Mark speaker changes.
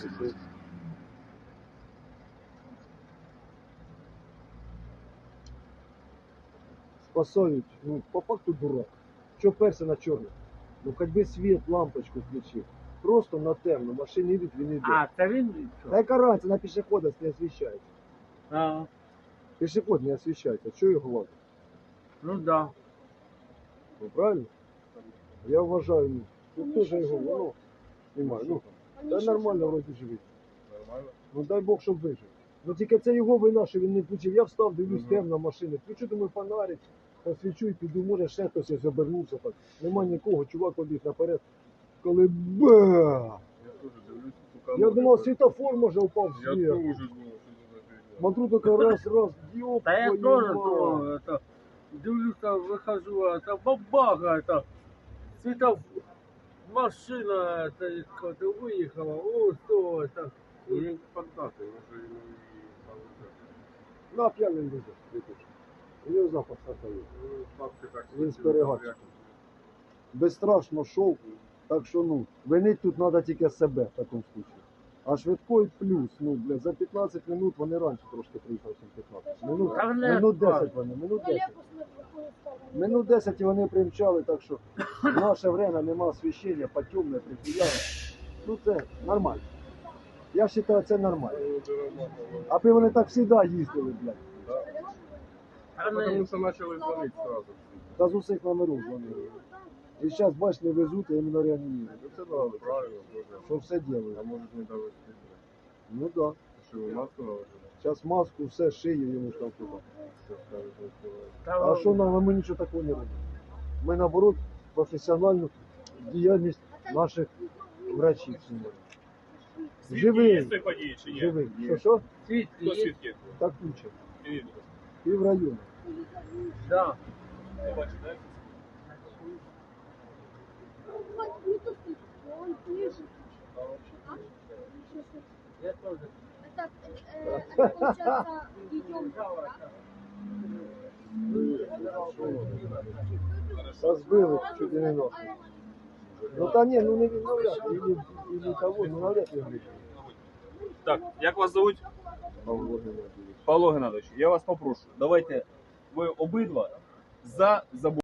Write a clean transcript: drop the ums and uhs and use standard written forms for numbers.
Speaker 1: Спасають, ну, по факту дурак. Що перся на чорне? Ну, хоч би світ, лампочку включив. Просто на темно, машини йдуть, він йде.
Speaker 2: А, це він?
Speaker 1: Та яка разниця, на пішохода не освіщається.
Speaker 2: А,
Speaker 1: Пішоход не освіщається, що його ладно?
Speaker 2: ну да.
Speaker 1: Ну, правильно? Я вважаю, ну, тут теж його, ну, немає. Ну, та нормально вроді живить.
Speaker 3: Нормально?
Speaker 1: Ну дай Бог, щоб вижив. Ну тільки це його вина, що він не включив. Я встав, дивлюсь, темна машина. Включу, думаю, фонарик, посвічу і піду, може ще хтось ось обернувся так. Нема нікого, чувак побіг наперед. Коли ба!
Speaker 3: Я теж дивлюсь,
Speaker 1: Я думав, світофор може упав
Speaker 3: Я
Speaker 1: в
Speaker 3: теж
Speaker 1: світ.
Speaker 3: думав, що це за фігня.
Speaker 1: Смотрю, така раз, ёб
Speaker 2: Та я
Speaker 1: твою
Speaker 2: тоже
Speaker 1: мать.
Speaker 2: то, это, дивлюся, вихожу, это бабага, это, світов, машина, это, как виїхала, о, що, это.
Speaker 3: Ну він поддатий, може йому і там.
Speaker 1: На п'яний люди. У нього запах сахару.
Speaker 3: Ну, бабки так
Speaker 1: Він з
Speaker 3: хотіли,
Speaker 1: перегадчиком. Безстрашно шов. Так що, ну, винить тут треба тільки себе в такому случаю. А швидкий плюс, ну, бля, за 15 минут, вони раніше трошки приїхали, ніж 15. Минут,
Speaker 2: Та не
Speaker 1: минут 10
Speaker 2: так.
Speaker 1: вони, минут 10. Минут 10 і вони примчали, так що в наше время нема освіщення, потемне, прихиляли. Ну це нормально. Я вважаю, це нормально. Аби вони так завжди їздили, блядь.
Speaker 2: Та
Speaker 3: Потому
Speaker 2: не,
Speaker 3: що почали дзвонити сразу.
Speaker 1: Та з усіх номерів дзвонили. І зараз, бач, не везуть, а іменно реанімують.
Speaker 3: Ну це правильно, правильно, Боже.
Speaker 1: Що все делають.
Speaker 3: А може не довести.
Speaker 1: Ну так. Да.
Speaker 3: Що ви маску наложили?
Speaker 1: Зараз маску, все, шиє йому ж там туди.
Speaker 3: Що скажуть, не співають.
Speaker 2: та,
Speaker 1: А що нам, ми нічого такого не робимо. Ми, наоборот, професіональну діяльність наших врачів. Живий,
Speaker 4: події чи ні?
Speaker 1: живий. Що?
Speaker 2: світ
Speaker 4: Хто
Speaker 2: є,
Speaker 4: свідки?
Speaker 1: Так куча.
Speaker 4: Ні,
Speaker 1: Пів району.
Speaker 2: да.
Speaker 4: не бачу, так?
Speaker 2: Я тоже.
Speaker 5: Это получается, идем, да?
Speaker 1: Розбили чуть не нос. Ну та ні, ну не він навряд, і того, ну навряд ли вийде.
Speaker 4: Так, як вас зовуть? Павло Геннадійович, я вас попрошу, давайте ви обидва за забудову.